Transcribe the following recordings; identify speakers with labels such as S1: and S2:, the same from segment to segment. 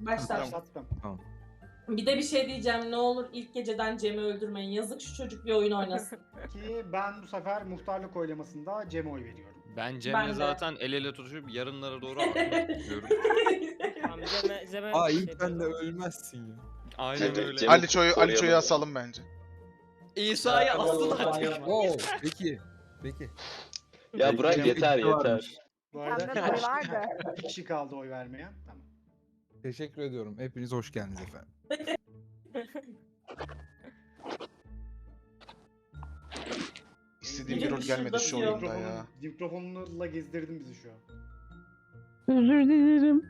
S1: Başlat.
S2: Başlattım.
S3: Tamam.
S1: Bir de bir şey diyeceğim. Ne olur ilk geceden Cem'i öldürmeyin. Yazık şu çocuk bir oyun oynasın.
S2: Ki ben bu sefer muhtarlık oylamasında Cem'e oy veriyorum.
S4: Ben
S1: Ben
S4: Cem'le
S1: de.
S4: zaten el ele tutuşup yarınlara doğru gidiyorum.
S5: Tamam Cem'e
S3: Aa
S5: şey
S3: ilk ben de
S5: yapıyorum.
S3: ölmezsin ya.
S4: Aynen öyle.
S6: Cem'i
S7: Aliço'yu
S6: koruyalım.
S7: asalım bence.
S4: İsa'yı asın artık.
S3: Wow, peki.
S6: Ya bırak
S7: Cem
S6: yeter
S3: ikisi varmış.
S6: yeter.
S2: Bu arada
S8: Benden oy var da.
S2: 2 kişi kaldı oy vermeyen. Tamam.
S3: Teşekkür ediyorum. Hepiniz hoş geldiniz efendim.
S7: İstediğim bir
S1: Biri
S7: rol gelmedi
S1: şurada
S7: şu
S1: diyor.
S7: oyunda ya.
S2: Mikrofonla gezdirdin bizi şu an.
S8: Özür dilerim.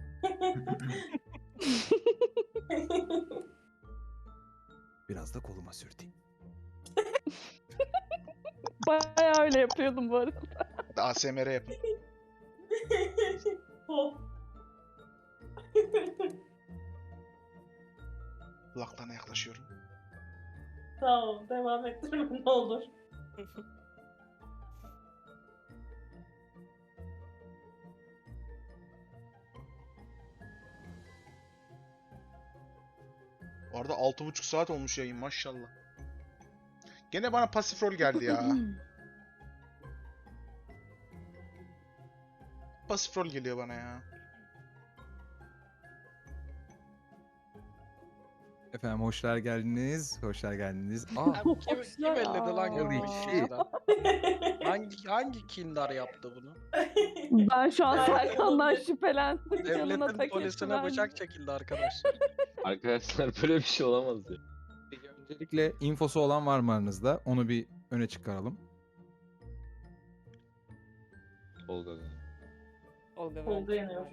S3: Biraz da koluma sürteyim.
S8: Bayağı öyle yapıyordum bu arada.
S7: ASMR yapın.
S1: Oh.
S7: Kulaklarına yaklaşıyorum.
S1: Tamam devam ettirme ne olur.
S7: Orada 6,5 saat olmuş yayın maşallah. Gene bana pasif rol geldi ya. Pasif rol geliyor bana ya.
S3: Efendim hoşlar geldiniz. Hoşlar geldiniz. Aa,
S9: Abi kim elledi lan
S3: Holy
S9: görmüş
S3: shit.
S9: Hangi kindar yaptı bunu?
S8: Ben şu an
S1: Ay,
S8: Serkan'dan
S1: ay,
S8: şüphelendim. Canına
S9: Devletin
S8: tak
S9: polisine
S8: etti
S9: bıçak çekildi arkadaşlar.
S6: Arkadaşlar böyle bir şey olamaz ya.
S3: öncelikle infosu olan var mı aranızda? Onu bir öne çıkaralım.
S6: Olga.
S5: Olga
S1: Olga yanıyor.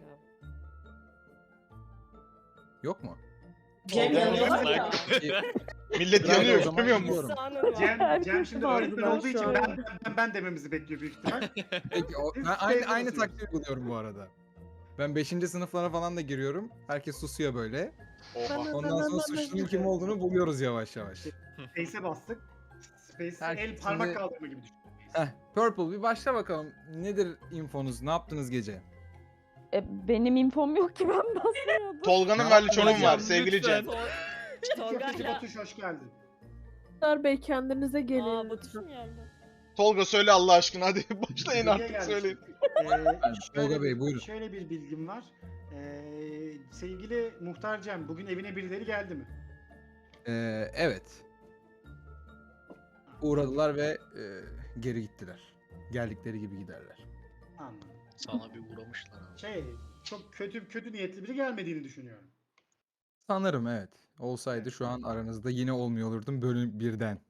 S3: Yok mu?
S1: Cem yanıyorlar ya.
S7: Millet
S3: Ben de
S7: yanıyor
S3: o zaman
S7: görmüyor musun?
S3: gidiyorum.
S2: Cem şimdi
S8: vardı
S2: öğretmen
S8: ben
S2: olduğu
S8: şu
S2: için
S8: an.
S2: ben dememizi bekliyor büyük ihtimal.
S3: Peki,
S2: Biz
S3: ben aynı
S2: sevgili
S3: taktiği
S2: oluyoruz.
S3: uyguluyorum bu arada. Ben 5. sınıflara falan da giriyorum. Herkes susuyor böyle.
S7: Oha.
S3: Ondan sonra suçlunun kim olduğunu buluyoruz yavaş yavaş.
S2: Space'e bastık. Space'e
S3: Herkes
S2: el parmak
S3: şimdi-
S2: kaldırma gibi düşün.
S3: Heh, Purple bir başla bakalım. Nedir infonuz? Ne yaptınız gece?
S8: Benim infom yok ki ben basmıyordum.
S7: Tolga'nın ve Aliço'nun var sevgili
S4: Lütfen.
S7: Cem.
S2: Köfteci Batuş hoş geldin.
S10: Bey kendinize gelin.
S5: Aa Batuş mu geldi?
S7: Tolga söyle Allah aşkına hadi başlayın
S2: Hediye
S7: artık
S2: gelmiş.
S7: söyleyin.
S3: Tolga Bey, buyurun.
S2: Şöyle bir bilgim var. Sevgili Muhtar Cem, bugün evine birileri geldi mi?
S3: Evet. Uğradılar ve geri gittiler. Geldikleri gibi giderler.
S2: Anladım.
S9: Sana bir uğramışlar abi.
S2: Çok kötü niyetli biri gelmediğini düşünüyorum.
S3: Sanırım evet. Olsaydı şu an aranızda yine olmuyor olurdum bölüm birden.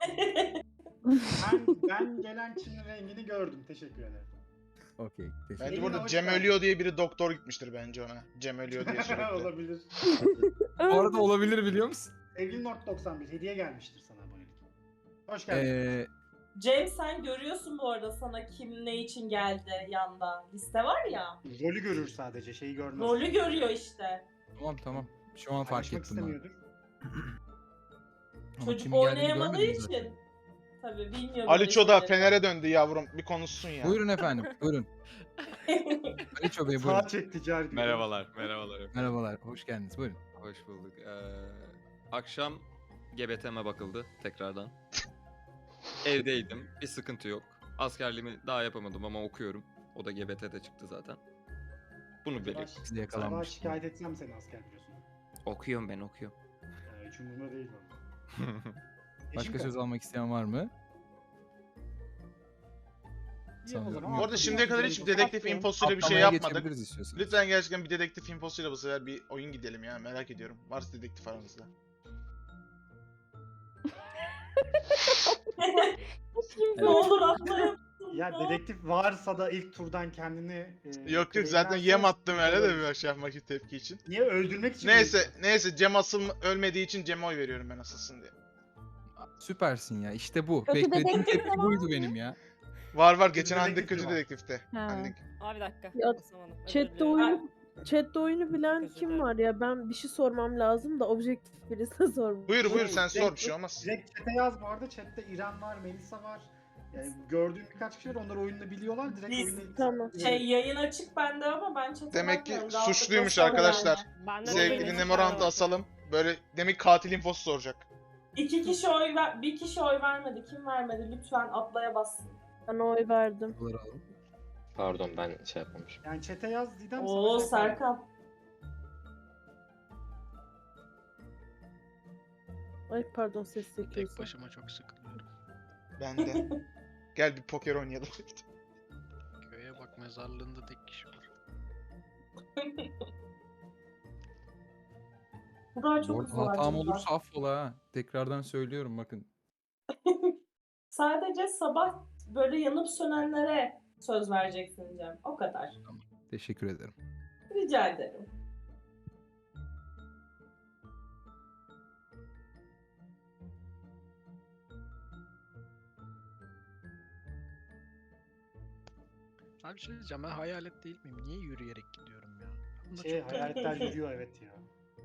S2: Ben gelen Çin'in rengini gördüm. Teşekkür ederim.
S3: Okey. teşekkür
S7: Bence
S2: Evine
S7: burada
S2: hoş
S7: Cem
S2: geldin.
S7: ölüyor diye biri doktor gitmiştir bence ona. Cem ölüyor diye sürekli.
S2: Olabilir.
S3: Bu arada olabilir biliyor musun?
S2: Sevgili Nord 91 hediye gelmiştir sana abonelik. Hoş geldin.
S1: Cem sen görüyorsun bu arada sana kim ne için geldi yanda. Liste var ya.
S2: Rolü görür sadece, şeyi görmez.
S1: Rolü görüyor işte.
S3: Tamam. Şu an fark
S2: Paylaşmak
S3: ettim ben.
S2: istemiyordur.
S3: Ama
S1: Çocuk
S3: kimin geldiğini
S1: oynayamadığı
S3: görmedim zaten.
S1: için. Tabii bilmiyorum.
S7: Aliço da
S1: öyle şeyleri.
S7: Fener'e döndü yavrum. Bir konuşsun ya.
S3: Buyurun efendim. Buyurun. Aliço Bey buyurun.
S2: Sağa çek ticari.
S4: Merhabalar.
S3: Merhabalar. Hoş geldiniz. Buyurun.
S4: Hoş bulduk. Akşam GBT'me bakıldı tekrardan. Evdeydim. Bir sıkıntı yok. Askerliğimi daha yapamadım ama okuyorum. O da GBT'de çıktı zaten. Bunu belirttim.
S3: Biz de
S2: Sabah
S3: yakalanmıştık.
S2: şikayet etsem seni asker biliyorsun.
S4: Okuyorum ben okuyorum.
S2: Hiç umurumda değil valla.
S3: Başka söz almak isteyen var mı?
S7: Bu arada şimdiye kadar hiç dedektif infosuyla bir şey
S3: Atlamaya
S7: yapmadık.
S3: geçebiliriz istiyorsanız.
S7: Lütfen gerçekten bir dedektif infosuyla bu sefer bir oyun gidelim ya merak ediyorum. Varsa dedektif aranızda.
S1: Ne olur atlayın.
S2: Ya dedektif varsa da ilk turdan kendini...
S7: Yok zaten yem attım öyle de bir şey yapmak için tepki için.
S2: Niye öldürmek için?
S7: Neyse Cem ölmediği için Cem'e oy veriyorum ben asılsın diye.
S3: Süpersin ya. İşte bu.
S8: Kötü
S3: Beklediğim
S8: dedektif
S3: tepki
S8: ama-
S3: buydu benim ya.
S7: Var geçen
S2: Dedektif
S7: Handik kötü
S2: var.
S7: dedektifte.
S8: Ha.
S7: Handik.
S5: Aa bir dakika.
S10: Ya,
S5: basamadım. Özür
S10: Chat'te
S5: diliyorum.
S10: oyunu bilen
S5: Özür
S10: kim
S5: dilerim.
S10: var ya? Ben bir şey sormam lazım da objektif birisine sormam.
S7: Buyur sen sor bir şey olmaz.
S2: Direkt chat'e yaz bu arada. Chat'te İrem var, Melisa var. Gördüğüm birkaç kişi var. Onlar oyunu biliyorlar. Direkt
S1: Biz-
S2: oyunu...
S10: Tamam.
S1: Yayın açık bende ama ben chat'e
S7: Demek ki
S1: bakmıyorum. Rahatlıkla
S7: suçluymuş
S1: sorun
S7: arkadaşlar.
S1: yani.
S5: Ben de
S7: Sevgili
S5: dedim,
S7: Nemorant'ı
S5: ben de
S7: asalım. Böyle demek katil infosu soracak.
S1: Bir kişi oy vermedi. Kim vermedi? Lütfen atlaya bassın.
S10: Ben oy verdim.
S3: Bunları alalım.
S6: Pardon ben şey yapmamışım.
S2: Yani chat'e yaz Didem.
S1: Oo
S2: sana şey yaparım.
S1: Serkan.
S10: Ay pardon ses
S9: Tek
S10: çekiyorsun.
S9: başıma çok sıkılıyorum.
S7: Ben de. Gel bir poker oynayalım.
S9: Köye bak mezarlığında tek kişi var.
S1: Burak
S3: Bu
S1: çok
S3: arada
S1: hızlı var.
S3: hatam
S1: çocuklar.
S3: olursa affola ha. Tekrardan söylüyorum bakın.
S1: Sadece sabah böyle yanıp sönenlere söz vereceksin Cem. O kadar.
S3: Teşekkür ederim.
S1: Rica ederim.
S9: Abi bir şey diyeceğim, ben hayalet değil miyim? Niye yürüyerek gidiyorum ya? Bunda çok
S2: Hayaletler yürüyor evet ya.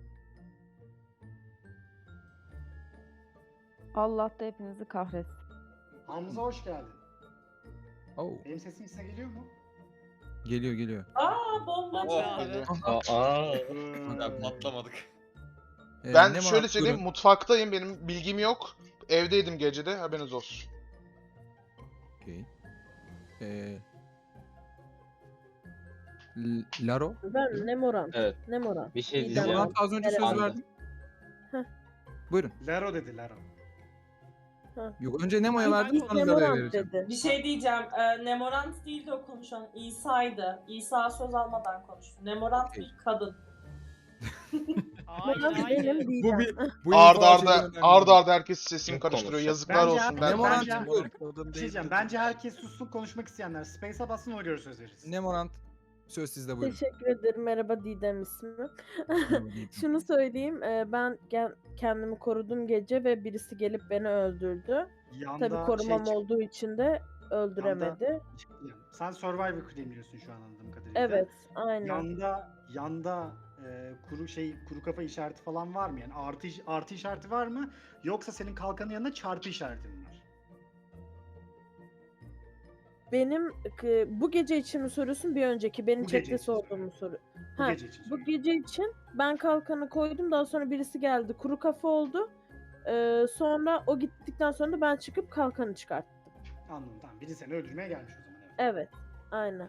S8: Allah da hepinizi kahretsin.
S2: Hamza hoş geldin.
S3: Oh.
S2: Benim sesim size geliyor mu?
S3: Geliyor geliyor.
S1: Aa bomba
S4: Oh,
S1: geldi.
S6: Aa.
S4: Ya patlamadık.
S7: Ben
S3: Ne
S7: şöyle
S3: var?
S7: söyleyeyim,
S3: Buyurun.
S7: mutfaktayım, benim bilgim yok. Evdeydim gecede, haberiniz olsun.
S3: Okey. Laro.
S10: Ben Nemoran.
S6: Evet.
S10: Nemoran.
S6: Bir şey
S10: İyi
S6: diyeceğim.
S10: tamam.
S3: Nemorant az önce söz
S6: Anladım.
S3: verdim.
S10: Heh.
S3: Buyurun.
S2: Laro dedi Laro.
S3: Yok önce Nemo'ya
S5: Ben
S3: verdim
S10: İlk
S3: sonra Laro'ya
S10: Nemoran
S3: vereceğim.
S10: dedi.
S1: Bir şey diyeceğim. Nemorant değildi o konuşan. İsa'ydı. İsa söz almadan konuştu. Nemorant
S3: Okey.
S1: bir kadın.
S5: Hayır,
S10: Nemoran
S5: hayır.
S10: benim
S3: Bu
S10: Didem.
S3: bir bu
S7: Arda
S3: info
S7: arda
S3: şeyden önemli.
S7: arda arda herkes sesini
S6: Kim
S7: karıştırıyor.
S6: konuşacak?
S7: Yazıklar
S2: Bence-
S7: olsun. Ben
S3: Nemorant
S2: Bence-
S3: buyurun.
S9: Kadın
S2: Bir şey
S9: değil
S2: diyeceğim.
S9: dedi.
S2: Bence herkes sussun, konuşmak isteyenler. Space'e bassın, ona göre söz veririz.
S3: Nemorant söz sizde buyurun.
S10: Teşekkür ederim. Merhaba Didem ismi. Şunu söyleyeyim. Ben kendimi korudum gece ve birisi gelip beni öldürdü.
S2: Yanda
S10: Tabii korumam
S2: çıktı.
S10: olduğu için de öldüremedi.
S2: Sen Survivor claimliyorsun şu an anladığım kadarıyla.
S10: Evet, aynen.
S2: Yanda kuru kafa işareti falan var mı? Yani artı işareti var mı? Yoksa senin kalkanın yanında çarpı işareti mi var?
S10: Benim bu gece için mi soruyorsun bir önceki? Benim
S2: Bu gece
S10: chatte
S2: için
S10: sorduğumu soru.
S2: Bu
S10: Ha,
S2: gece için
S10: Bu
S2: soruyorum.
S10: gece için ben kalkanı koydum. Daha sonra birisi geldi. Kuru kafa oldu. Sonra o gittikten sonra da ben çıkıp kalkanı çıkarttım.
S2: Anladım, tamam. Biri seni öldürmeye gelmiş o zaman. Evet.
S10: Evet. Aynen.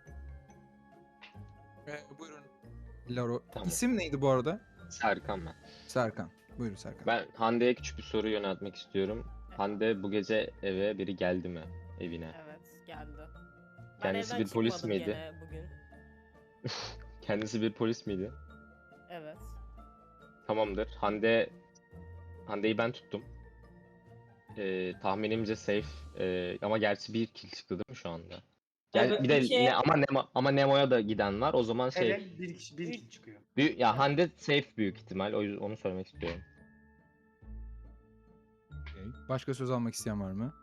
S3: Buyurun. Laro.
S6: Tamam.
S3: İsim neydi bu arada?
S6: Serkan ben.
S3: Serkan. Buyurun Serkan.
S6: Ben Hande'ye küçük bir soru yöneltmek istiyorum. Hande bu gece eve biri geldi mi? Evine.
S5: Evet, geldi. Ben
S6: Kendisi
S5: evden
S6: bir polis
S5: çıkmadım
S6: miydi?
S5: gene bugün.
S6: Kendisi bir polis miydi?
S5: Evet.
S6: Tamamdır. Hande'yi ben tuttum. Tahminimce safe. Ama gerçi bir kill çıktı değil mi şu anda?
S1: Evet,
S6: bir de
S1: iki-
S6: ama Nemo'ya da giden var. O zaman şey
S2: Evet, bir kişi çıkıyor.
S6: ya Hande safe büyük ihtimal. O yüzden onu söylemek istiyorum.
S3: Okey. Başka söz almak isteyen var mı?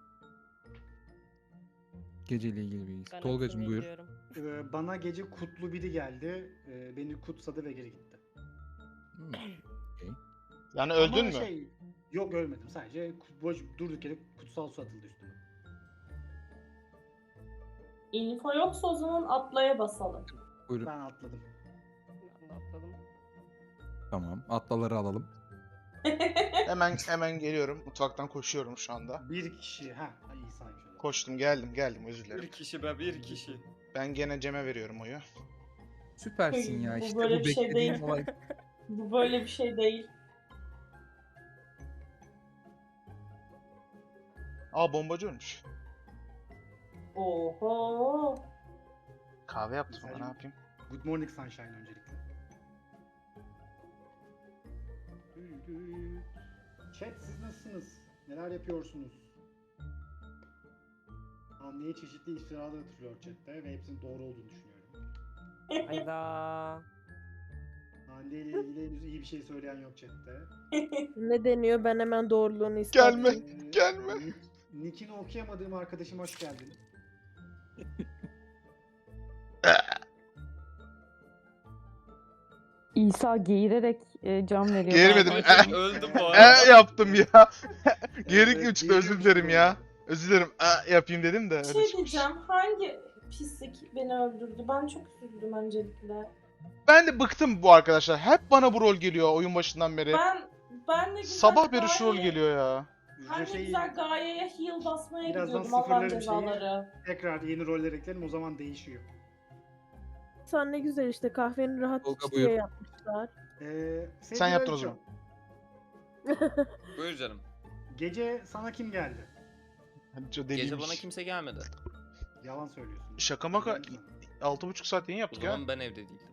S3: Geceyle ilgili bilgi.
S5: Ben
S3: Tolgacığım
S5: hepsini
S3: buyur.
S5: biliyorum.
S2: Bana gece kutlu biri geldi. Beni kutsadı ve geri gitti.
S3: Hmm.
S7: Yani öldün
S2: Ama
S7: mü?
S2: Yok ölmedim. Sadece durduk yere kutsal su atıldı üstüme.
S1: Info yoksa o zaman atlaya basalım.
S3: Buyurun.
S2: Ben atladım.
S5: Ben de atladım.
S3: Tamam. Atlaları alalım.
S7: Hemen geliyorum. Mutfaktan koşuyorum şu anda.
S2: Bir kişi. İyi saymış öyle.
S7: Koştum geldim özür
S4: Bir
S7: dilerim.
S4: kişi be, bir kişi.
S7: Ben gene Cem'e veriyorum oyu.
S3: Süpersin ya.
S1: Bu
S3: İşte
S1: böyle
S3: bu
S1: bir şey
S3: beklediğim
S1: değil.
S3: olay.
S1: Bu böyle bir şey değil.
S7: Aa bombacı ölmüş.
S1: Oho.
S7: Kahve yaptım
S2: Güzel.
S7: ona, ne yapayım?
S2: Good morning sunshine öncelikle. Chat siz nasılsınız? Neler yapıyorsunuz? Hande'ye çeşitli iftiralar atılıyor chatte ve hepsinin doğru olduğunu düşünüyorum.
S5: Hayda.
S2: Hande ile ilgili henüz iyi bir şey söyleyen yok chatte.
S10: Ne deniyor? Ben hemen doğruluğunu
S7: Gelme.
S10: ispatlayayım.
S7: Gelme.
S2: Nick'ini okuyamadığım arkadaşım hoş geldin.
S8: İsa geğirerek can veriyor.
S7: Geğirmedim.
S4: Ben öldüm bu arada.
S7: Yaptım ya. Geri çıktı, özür dilerim ya. Özür dilerim. Yapayım dedim de.
S1: Bir
S7: öyle
S1: şey
S7: çıkmış.
S1: diyeceğim. Hangi pislik beni öldürdü? Ben çok üzüldüm öncelikle.
S7: Ben de bıktım bu arkadaşlar. Hep bana bu rol geliyor oyun başından beri.
S1: Ben de güzel
S7: Sabah beri şu rol
S1: gaye-
S7: geliyor ya.
S1: Ben de
S2: Şey,
S1: güzel gayeye heal basmaya
S2: birazdan
S1: gidiyordum Allah'ın
S2: sıfırlarım şeyi.
S1: cezaları.
S2: tekrar yeni roller eklerim, o zaman değişiyor.
S10: Sen ne güzel işte kahveni rahat
S3: Tolga,
S10: iç diye
S3: buyur.
S10: yapmışlar.
S7: Sen
S2: Sevgili
S7: yaptın o
S2: Aliço,
S7: zaman.
S4: Buyur canım.
S2: Gece sana kim geldi?
S4: Gece bana kimse gelmedi.
S2: Yalan söylüyorsun.
S7: Şaka maka
S2: Biliyorum
S7: 6,5 saat yayın
S4: O
S7: yaptık ya.
S4: zaman ben evde değildim.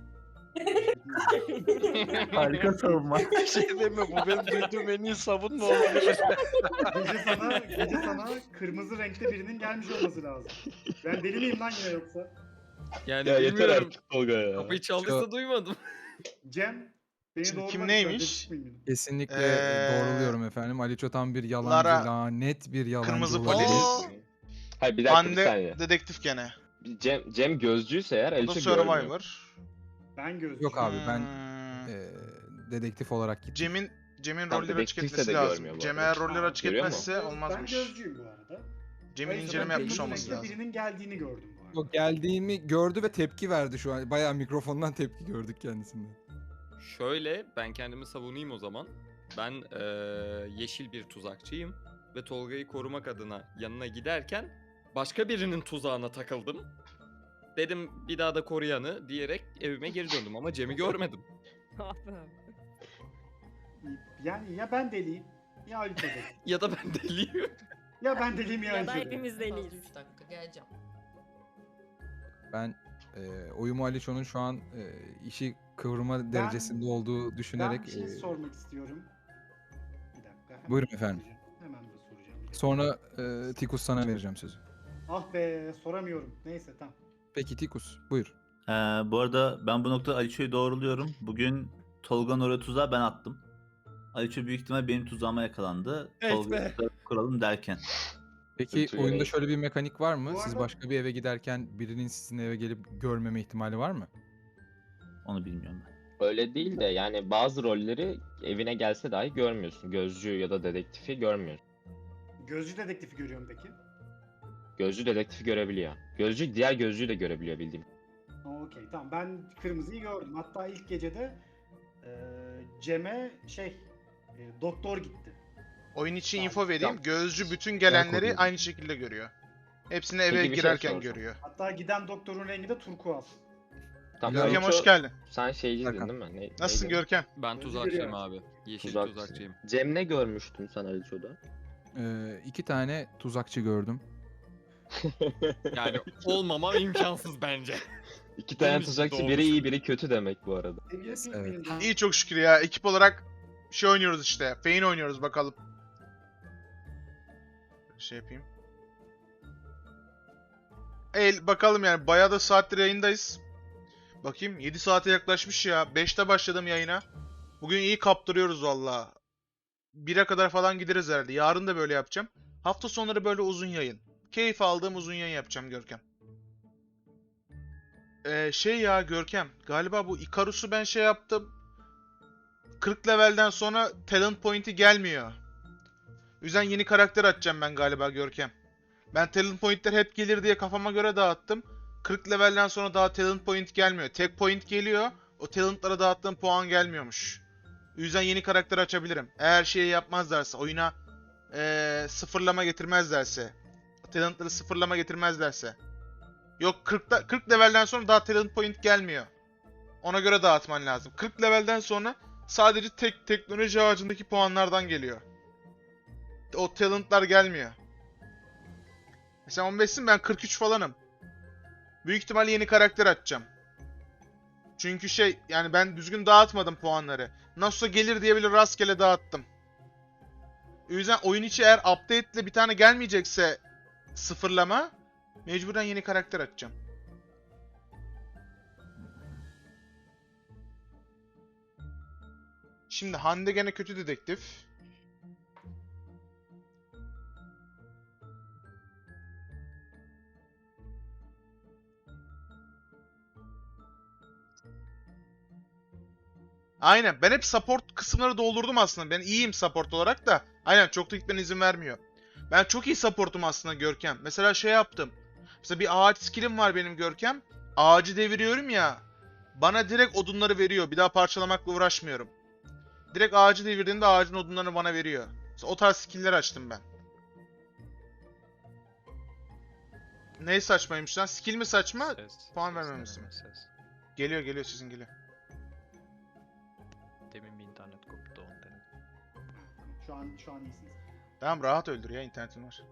S3: Harika savunma.
S9: Bir şey deme bu benim duyduğum en iyi savunma olabilir.
S2: gece sana kırmızı renkte birinin gelmiş olması lazım. Ben deli miyim lan yine yoksa?
S4: Yani
S6: Ya yeter
S4: bilmiyorum.
S6: artık Tolga ya.
S4: Kapıyı çaldıysa duymadım.
S2: Cem, beni
S7: Şimdi
S2: doğru
S7: kim
S2: bak,
S7: neymiş?
S2: ben çıkmayayım.
S3: Kesinlikle
S7: Doğruluyorum
S3: efendim. Aliço tam bir yalancı,
S7: Lara,
S3: lanet bir yalancı.
S7: kırmızı
S3: olabilir.
S7: polis.
S6: Hayır bir dakika bir
S7: Hande
S6: saniye.
S7: dedektif gene.
S6: Cem gözcüyse eğer
S7: O da
S6: Aliço görmüyor.
S7: Survivor.
S2: Ben gözcüyüm.
S3: Yok abi ben
S7: Hmm.
S3: dedektif olarak gittim.
S7: Cem'in
S6: Tam
S7: rolleri açık
S6: dedektifse
S7: etmesi
S6: de
S7: lazım.
S6: görmüyor bu
S7: Cem
S6: arada.
S7: eğer rolleri açık
S6: Görüyor mu?
S7: etmezse
S2: Ben
S7: olmazmış.
S2: gözcüyüm bu arada.
S7: Cem'in
S2: Hayır,
S7: inceleme
S2: ben
S7: yapmış
S2: kırmızı
S7: olması
S2: renkte
S7: lazım.
S2: Birinin geldiğini gördüm bu arada.
S3: Yok, geldiğimi gördü ve tepki verdi şu an. Bayağı mikrofondan tepki gördük kendisinden.
S4: Şöyle ben kendimi savunayım o zaman. Ben yeşil bir tuzakçıyım ve Tolga'yı korumak adına yanına giderken başka birinin tuzağına takıldım. Dedim bir daha da koruyanı diyerek evime geri döndüm ama Cem'i görmedim.
S5: Ah be.
S2: Yani ya ben deliyim ya Aliço deli.
S4: Ya da ben deliyim.
S2: Ya ben deliyim ya
S5: Ya da
S2: Aliço deli.
S5: hepimiz deliyiz.
S11: 3 dakika geleceğim.
S3: Ben oyumu Aliço'nun şu an işi kıvırma derecesinde olduğu düşünerek...
S2: Ben bir şey sormak istiyorum. Bir dakika. hemen
S3: Buyurun efendim.
S2: soracağım. Hemen de soracağım.
S3: Sonra Tikus sana vereceğim sözü.
S2: Ah be, soramıyorum. Neyse tamam.
S3: Peki Tikus buyur.
S12: Bu arada ben bu noktada Aliço'yu doğruluyorum. Bugün Tolga'nın oraya tuzağı ben attım. Aliço büyük ihtimal benim tuzağıma yakalandı.
S9: Evet
S12: Tolga'yı
S9: be.
S12: da kuralım derken.
S3: Peki
S6: Aliço
S3: oyunda
S6: görev.
S3: şöyle bir mekanik var mı?
S2: Bu
S3: Siz
S2: arada-
S3: başka bir eve giderken birinin sizin eve gelip görmeme ihtimali var mı?
S12: Onu bilmiyorum ben.
S6: Öyle değil de yani bazı rolleri evine gelse dahi görmüyorsun. Gözcü ya da dedektifi görmüyorsun.
S2: Gözcü dedektifi görüyorum peki.
S6: Gözcü dedektifi görebiliyor. Gözcü diğer gözcüyü de görebiliyor bildiğim.
S2: Okey tamam, ben kırmızıyı gördüm. Hatta ilk gecede Cem'e doktor gitti.
S7: Oyun için
S2: Tamam,
S7: info vereyim.
S6: tamam.
S7: Gözcü bütün gelenleri
S3: koruyorum.
S7: aynı şekilde görüyor. Hepsini eve
S6: Peki, bir şey
S7: girerken
S6: soracağım.
S7: görüyor.
S2: Hatta giden doktorun rengi de turkuaz.
S6: Tam
S7: Görkem
S6: Aliço,
S7: hoş geldin.
S6: sen şeyciydin
S3: Hakan.
S6: değil mi?
S7: Nasılsın
S6: neydi?
S7: Görkem?
S4: Ben
S2: Özür
S4: tuzakçıyım
S2: diliyorum.
S4: abi. Yeşil
S6: Tuzakçı.
S4: tuzakçıyım.
S6: Cem ne görmüştün sen Aliço'da?
S3: 2 tane tuzakçı gördüm.
S4: Yani olmamam imkansız bence.
S6: İki tane
S4: Bunun için
S6: tuzakçı biri
S4: doğmuş.
S6: iyi biri kötü demek bu arada.
S3: Evet.
S7: İyi çok şükür ya. Ekip olarak şey oynuyoruz işte. Fein oynuyoruz bakalım. Şey yapayım. Bakalım yani bayağı da saattir yayındayız. Bakayım 7 saate yaklaşmış ya. 5'te başladım yayına. Bugün iyi kaptırıyoruz valla. 1'e kadar falan gideriz herhalde. Yarın da böyle yapacağım. Hafta sonları böyle uzun yayın. Keyif aldığım uzun yayın yapacağım Görkem. Ya Görkem. Galiba bu Icarus'u ben şey yaptım. 40 levelden sonra talent point'i gelmiyor. O yüzden yeni karakter açacağım ben galiba Görkem. Ben talent point'ler hep gelir diye kafama göre dağıttım. 40 levelden sonra daha talent point gelmiyor. Tek point geliyor. O talentlara dağıttığım puan gelmiyormuş. O yüzden yeni karakter açabilirim. Eğer şeyi yapmazlarsa, oyuna sıfırlama getirmezlerse. Talentları sıfırlama getirmezlerse. Yok 40 levelden sonra daha talent point gelmiyor. Ona göre dağıtman lazım. 40 levelden sonra sadece teknoloji ağacındaki puanlardan geliyor. O talentlar gelmiyor. Mesela 15'sin, ben 43 falanım. Büyük ihtimalle yeni karakter açacağım. Çünkü yani ben düzgün dağıtmadım puanları. Nasılsa gelir diye bile rastgele dağıttım. O yüzden oyun içi eğer update ile bir tane gelmeyecekse sıfırlama, mecburen yeni karakter açacağım. Şimdi Hande gene kötü dedektif. Aynen. Ben hep support kısımları doldurdum aslında. Ben iyiyim support olarak da. Aynen, çok da gitmene izin vermiyor. Ben çok iyi supportum aslında Görkem. Mesela şey yaptım. Mesela bir ağaç skillim var benim Görkem. Ağacı deviriyorum ya. Bana direkt odunları veriyor. Bir daha parçalamakla uğraşmıyorum. Direkt ağacı devirdiğinde ağacın odunlarını bana veriyor. Mesela o tarz skill'ler açtım ben. Ne saçmaymış lan? Skill mi saçma? Puan vermemişsin. Geliyor sizin geliyor.
S9: Demin bir internet koptu ondan.
S2: Şu an iyisiniz.
S7: Tamam rahat öldür ya, internetin var.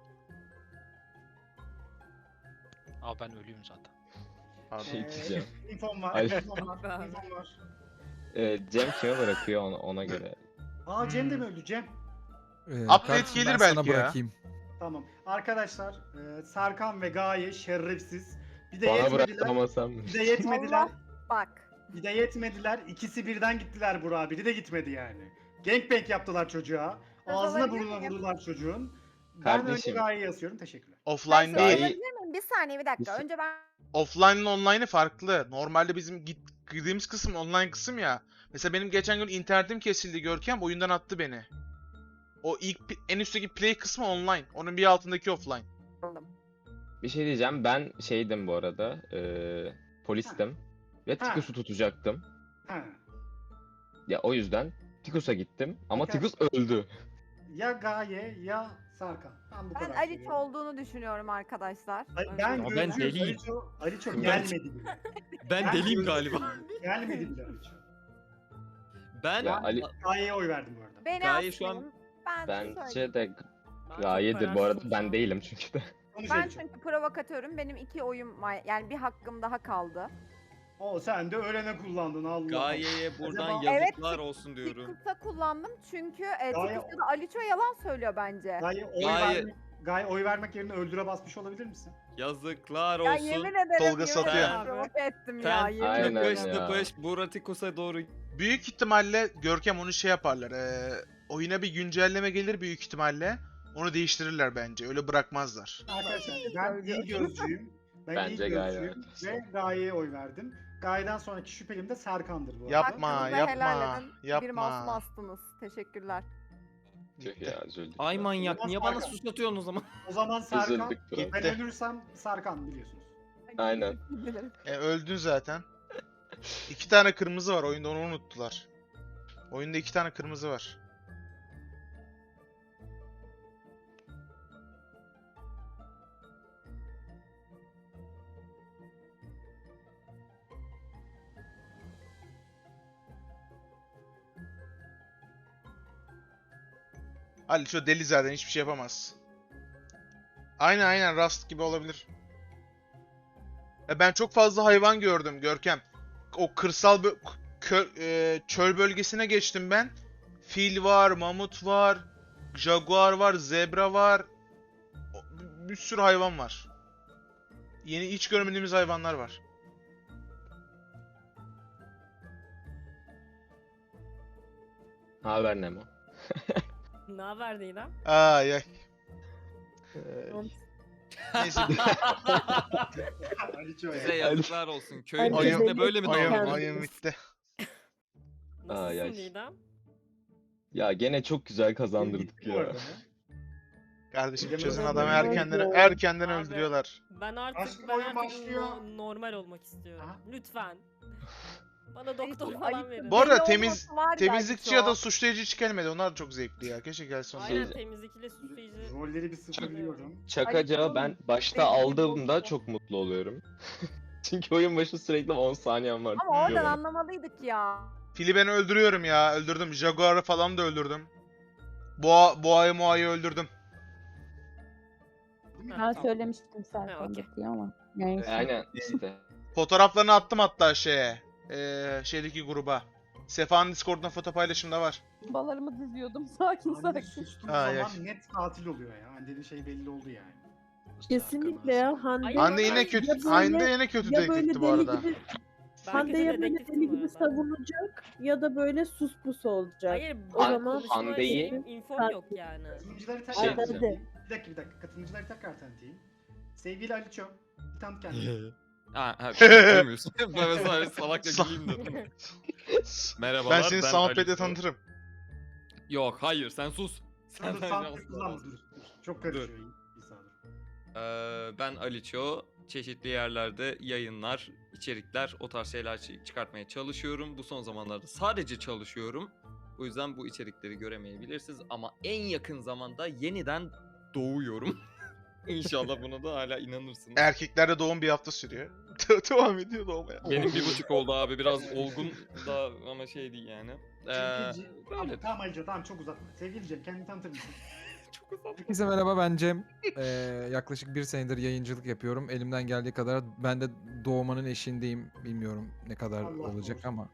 S9: Aa ben ölüyüm zaten.
S7: Pardon.
S6: Şey diyeceğim.
S2: İnfom var.
S6: Ay.
S2: infom var. infom var.
S6: Cem kime bırakıyor ona göre.
S2: Aa Cem de mi öldü? Cem.
S7: Update
S3: kardeşim,
S7: gelir
S3: ben
S7: belki
S3: sana
S7: ya.
S3: bırakayım.
S2: Tamam. Arkadaşlar Serkan ve Gaye şerefsiz. Bir de
S6: Bana
S2: yetmediler.
S6: bıraktırmasam mı?
S2: Bir de yetmediler.
S10: Allah bak.
S2: Bir de yetmediler. İkisi birden gittiler Burak'a. Biri de gitmedi yani. Gangbang yaptılar çocuğa. Ağzına
S10: alabilir
S2: burnuna
S10: miyim?
S2: vurdular çocuğun. Ben
S6: Kardeşim.
S2: önce Gaye'ye yazıyorum. Teşekkürler.
S7: Offline
S10: Ben
S7: değil.
S6: Gaye-
S10: söyleyebilir miyim? Bir saniye bir dakika.
S6: Bir-
S10: Önce ben
S7: Offline ile online'ı farklı. Normalde bizim girdiğimiz kısım online kısım ya. Mesela benim geçen gün internetim kesildi Görkem, oyundan attı beni. O en üstteki play kısmı online. Onun bir altındaki offline.
S10: aldım.
S6: Bir şey diyeceğim. Ben şeydim bu arada. Polistim. Ve
S2: Ha.
S6: Tikus'u tutacaktım.
S2: Ha.
S6: Ya o yüzden Tikus'a gittim. Ama
S2: Peki.
S6: Tikus öldü.
S2: Ya Gaye ya Serkan. Ben bu
S11: Ben
S2: kadar
S11: Aliç
S2: söylüyorum.
S11: olduğunu düşünüyorum arkadaşlar.
S2: Ay,
S11: Önce-
S2: ben
S4: Ya ben
S2: gözcüyüm.
S4: deliyim.
S2: Aliço
S4: Ben-
S2: gelmedi bile.
S4: Ben deliyim galiba.
S2: Gelmedi bile Aliço.
S4: Ben
S6: Ya Ali
S2: Gaye'ye oy verdim bu arada.
S11: Beni
S4: Gaye şu an-
S11: asmayın. Ben
S6: bence
S11: söyleyeyim.
S6: de
S5: Ben çok
S6: Gaye'dir bu
S5: kararsızım
S6: arada.
S5: şu
S6: Ben
S5: an.
S6: değilim çünkü de.
S2: Konuş
S11: Ben
S2: Aliço.
S11: çünkü provokatörüm. Benim 2 oyum var. Yani bir hakkım daha kaldı.
S2: O sen de ölene kullandın Allah.
S4: Gaye'ye buradan
S2: Acaba-
S4: yazıklar olsun diyorum.
S11: Tikus'a kullandım çünkü
S2: Gaye-
S11: Tikus ya da Aliço yalan söylüyor bence.
S2: Gaye oy vermek yerine öldüre basmış olabilir misin?
S4: Yazıklar
S11: Ya
S4: olsun.
S11: yemin ederim
S7: Tolga
S11: yemin
S7: satıyor.
S11: ederim provoke ettim ya.
S4: Sen
S11: Yemin
S6: Aynen
S11: ederim.
S4: tıpış
S6: ya.
S4: tıpış Buratikus'a doğru.
S7: Büyük ihtimalle Görkem onu şey yaparlar. Oyuna bir güncelleme gelir büyük ihtimalle. Onu değiştirirler bence. Öyle bırakmazlar.
S2: Arkadaşlar ben iyi gözcüyüm. Ben
S6: Bence
S2: iyi
S6: Gaye
S2: gözcüyüm
S6: arkadaşlar.
S2: ve Gaye'ye oy verdim. Gaye'den sonraki şüphelim de Serkan'dır bu arada.
S7: Yapma,
S11: Hakkınızı
S7: yapma,
S11: helal edin. Bir
S7: yapma.
S11: masum astınız. Teşekkürler.
S6: Tüh ya üzüldük.
S4: Ay manyak
S2: Ulan
S4: niye bana
S2: Serkan.
S4: sus atıyorsun o zaman?
S2: O zaman Serkan,
S6: Üzüldük biraz.
S2: ben ölürsem Serkan biliyorsunuz.
S6: Aynen.
S7: Öldün zaten. 2 tane kırmızı var. Oyunda onu unuttular. Oyunda 2 tane kırmızı var. Ali şu deli zaten hiçbir şey yapamaz. Aynen Rust gibi olabilir. Ben çok fazla hayvan gördüm Görkem. O kırsal çöl bölgesine geçtim ben. Fil var, mamut var, jaguar var, zebra var. Bir sürü hayvan var. Yeni hiç görmediğimiz hayvanlar var.
S6: Haber Nemo.
S5: Ne haber Didem?
S7: Ay ay. Neyse.
S2: Aliço
S4: Size
S2: ya.
S4: yazıklar olsun. Köyün
S10: Aynen.
S4: içinde böyle mi
S7: Oyun,
S4: davranıyorsun?
S7: oyun bitti.
S5: Nasılsın
S6: ay.
S5: Didem?
S6: Ya gene çok güzel kazandırdık
S2: Bitti bu
S6: ya.
S2: arada.
S7: Kardeşim
S2: Yemin
S7: çözün
S2: ederim
S7: adamı
S2: ben-
S7: erkenden
S5: Abi.
S7: öldürüyorlar.
S5: Ben artık
S2: Aşkım oyun başlıyor.
S5: normal olmak istiyorum.
S2: Aha.
S5: Lütfen. Bana doktor
S11: Aliço,
S5: falan
S11: Aliço.
S5: verin.
S7: Bu arada
S11: Deli
S7: temiz
S11: olması var ya
S7: temizlikçi ya da
S11: Aliço.
S7: suçlayıcı hiç gelmedi. Onlar çok zevkli ya. Keşke gelsin onlar.
S5: Aynen
S6: Şey-
S5: temizlikle suçlayıcı.
S2: Rolleri bir sıfırlıyorum.
S6: Çakacağı ben başta aldığımda çok mutlu oluyorum. Çünkü oyun başı sürekli 10 saniyem var.
S11: Ama oradan
S6: diyorum.
S11: anlamalıydık ya.
S7: Fili ben öldürüyorum ya. Öldürdüm. Jaguar'ı falan da öldürdüm. Boğayı öldürdüm.
S8: Ben söylemiştim
S5: Ha,
S8: Serkan'da
S5: okey.
S8: diye ama. Neyse.
S6: Aynen işte.
S7: Fotoğraflarını attım hatta şeye. Şeydeki gruba. Sefa'nın Discord'dan foto paylaşımda var.
S8: Balarımı diziyordum sakin
S2: Hande
S8: sakin.
S2: sustuğu
S7: Ay,
S2: zaman
S7: ay.
S2: net katil oluyor ya. Hande'nin şey belli oldu yani.
S10: Kesinlikle ya. Hande,
S5: Ay,
S7: Hande
S5: ya
S7: yine
S5: böyle-
S7: kötü.
S10: ya böyle-
S7: Hande yine kötü
S10: ya böyle
S7: dedektifti bu
S10: deli
S7: arada.
S10: gibi
S5: Ben
S10: Hande
S5: kötü
S10: ya böyle
S5: dedektiftim
S10: deli
S5: bu
S10: gibi
S5: arada.
S10: savunacak ya da böyle sus pus olacak.
S5: Hayır,
S10: O
S5: o
S10: zaman
S6: Hande'yi-
S5: infom yok yani.
S2: Katılımcıları tekrar
S6: Şey
S2: tanıtayım. Bir dakika. Katılımcıları tekrar tanıtayım. Sevgili Aliço. Bir tanıt kendini.
S4: Ha, duymuyorsun. Ben mesela salakça güleyim dedim. Merhabalar.
S7: Ben seni Soundpad'le
S4: Aliço.
S7: tanıtırım.
S4: Yok hayır sen sus.
S2: Sen de
S4: Senden
S2: soundpad
S4: yalnız
S2: kullanma
S4: olmaz.
S2: dur. Çok karışıyor İsa dur.
S4: Ben Aliço. Çeşitli yerlerde yayınlar, içerikler, o tarz şeyler çıkartmaya çalışıyorum. Bu son zamanlarda sadece çalışıyorum. O yüzden bu içerikleri göremeyebilirsiniz. Ama en yakın zamanda yeniden doğuyorum. İnşallah buna da hala inanırsınız.
S7: Erkeklerde doğum bir hafta sürüyor. Devam ediyor doğmaya.
S4: Benim 1,5 oldu abi. Biraz olgun da ama şey değil yani.
S2: Tamam, tamam Aliço, tamam çok uzatma. Sevgili Cem, kendini tanıtır mısın?
S3: Herkese merhaba, ben Cem. Yaklaşık 1 senedir yayıncılık yapıyorum. Elimden geldiği kadar ben de doğmanın eşiğindeyim. Bilmiyorum ne kadar
S2: Allah
S3: olacak
S2: korusun.
S3: ama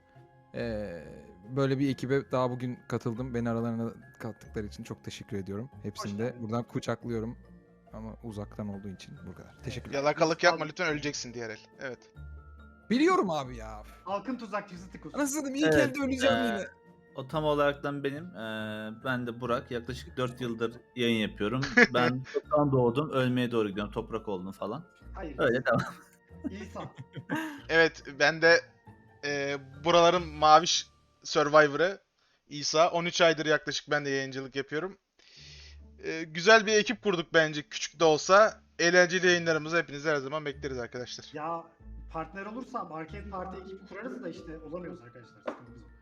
S3: böyle bir ekibe daha bugün katıldım. Beni aralarına kattıkları için çok teşekkür ediyorum. Hepsini de
S2: geldin.
S3: buradan kucaklıyorum. Ama uzaktan olduğu için bu kadar. Teşekkürler.
S7: Yalakalık yapma lütfen, öleceksin diğer el. Evet.
S3: Biliyorum abi ya.
S2: Halkın tuzakçısı Tikus.
S3: Anasını ilk
S12: Evet,
S3: elde öleceğim yine.
S12: O tam olaraktan benim. Ben de Burak. Yaklaşık 4 yıldır yayın yapıyorum. Ben çoktan doğdum. Ölmeye doğru gidiyorum. Toprak oldum falan.
S2: Hayır.
S12: Öyle devam.
S2: İsa.
S7: Evet, ben de buraların maviş Survivor'ı İsa. 13 aydır yaklaşık ben de yayıncılık yapıyorum. Güzel bir ekip kurduk bence, küçük de olsa. Eğlenceli yayınlarımızı hepinizi her zaman bekleriz arkadaşlar.
S2: Ya partner olursam Arcade Party ekibi kurarız da işte olamıyoruz arkadaşlar. Sıkıntımız o.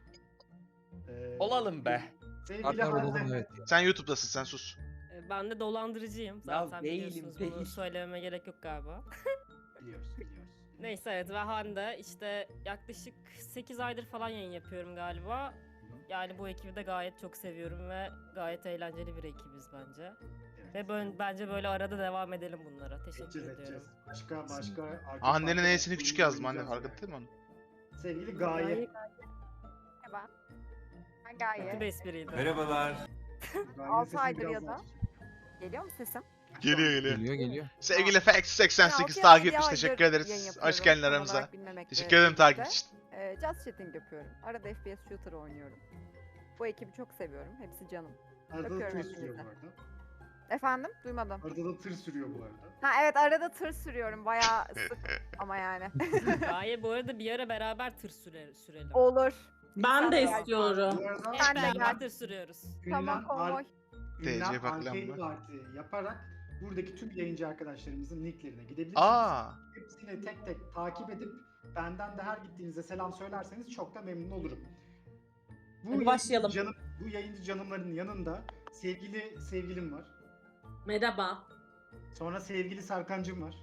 S4: Olalım be.
S2: Sevgili
S3: Partner olalım,
S2: Hande.
S3: evet.
S7: Sen YouTube'dasın, sen sus.
S5: Ben de dolandırıcıyım. Zaten
S1: değilim,
S5: biliyorsunuz,
S1: değil.
S5: bunu söylememe gerek yok galiba.
S2: Biliyoruz.
S5: Neyse, evet, ve Hande işte yaklaşık 8 aydır falan yayın yapıyorum galiba. Yani bu ekibi de gayet çok seviyorum ve gayet eğlenceli bir ekibiz bence.
S2: Evet.
S5: Ve bence böyle arada devam edelim bunlara. Teşekkür
S2: Edeceğiz,
S5: ediyorum.
S2: edeceğiz. Başka Arcade
S7: Annenin
S2: Party
S7: E'sini küçük yazdım anne,
S2: oynayacağız
S7: fark ettin mi onu?
S2: yani. Sevgili Gaye.
S11: Merhaba. Ben Gaye.
S5: Kötü bir espriydi.
S2: Gaye
S11: 6
S2: sesini
S11: aydır
S2: biraz
S11: ya da.
S2: daha aç.
S11: Geliyor mu sesim?
S7: Geliyor.
S3: Geliyor.
S7: Sevgili Fax88
S11: Ben altı
S7: takip
S11: yıldır
S7: etmiş,
S11: yayın
S7: teşekkür ederiz.
S11: yapıyorum,
S7: Hoş geldin
S11: tam
S7: aramıza.
S11: olarak bilmemekle
S7: Teşekkür ederim takip
S11: birlikte.
S7: için.
S11: Just chatting yapıyorum. Arada FPS shooter oynuyorum. Bu ekibi çok seviyorum. Hepsi canım.
S2: Arada da
S11: Öpüyorum
S2: tır sürüyor bu
S11: hepinizi.
S2: arada.
S11: Efendim? Duymadım.
S2: Arada da tır sürüyor bu arada.
S11: Ha evet, arada tır sürüyorum. Bayağı sık ama yani.
S5: Gaye, bu arada bir ara beraber tır sürelim.
S11: Olur.
S1: Ben de
S11: İnşallah.
S1: istiyorum.
S2: Bu arada
S5: Hep
S11: Ben de
S5: beraber
S11: gel.
S5: tır sürüyoruz.
S11: Tamam, konvoy.
S7: TC
S2: Ünlem
S7: paklam
S2: Arcade
S7: mı?
S2: Party yaparak buradaki tüm yayıncı arkadaşlarımızın linklerine gidebilirsiniz.
S7: Aa,
S2: Hepsini tek tek takip edip benden de her gittiğinizde selam söylerseniz çok da memnun olurum.
S1: Hadi başlayalım.
S2: Bu yayıncı canımların yanında sevgilim var.
S1: Merhaba.
S2: Sonra sevgili Serkancım var.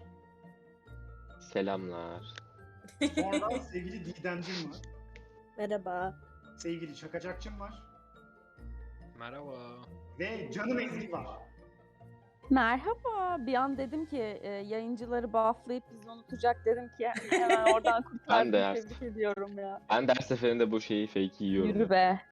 S6: Selamlar.
S2: Sonra sevgili Didemcim var.
S10: Merhaba.
S2: Sevgili Şakacakçım var.
S9: Merhaba.
S2: Ve canım Ezgi var.
S8: Merhaba. Bir an dedim ki yayıncıları bufflayıp bizi unutacak, dedim ki hemen oradan kurtardım.
S6: Ben de
S8: Tebrik ediyorum ya.
S6: Ben de her seferinde bu fake'i yiyorum.
S8: Yürü be.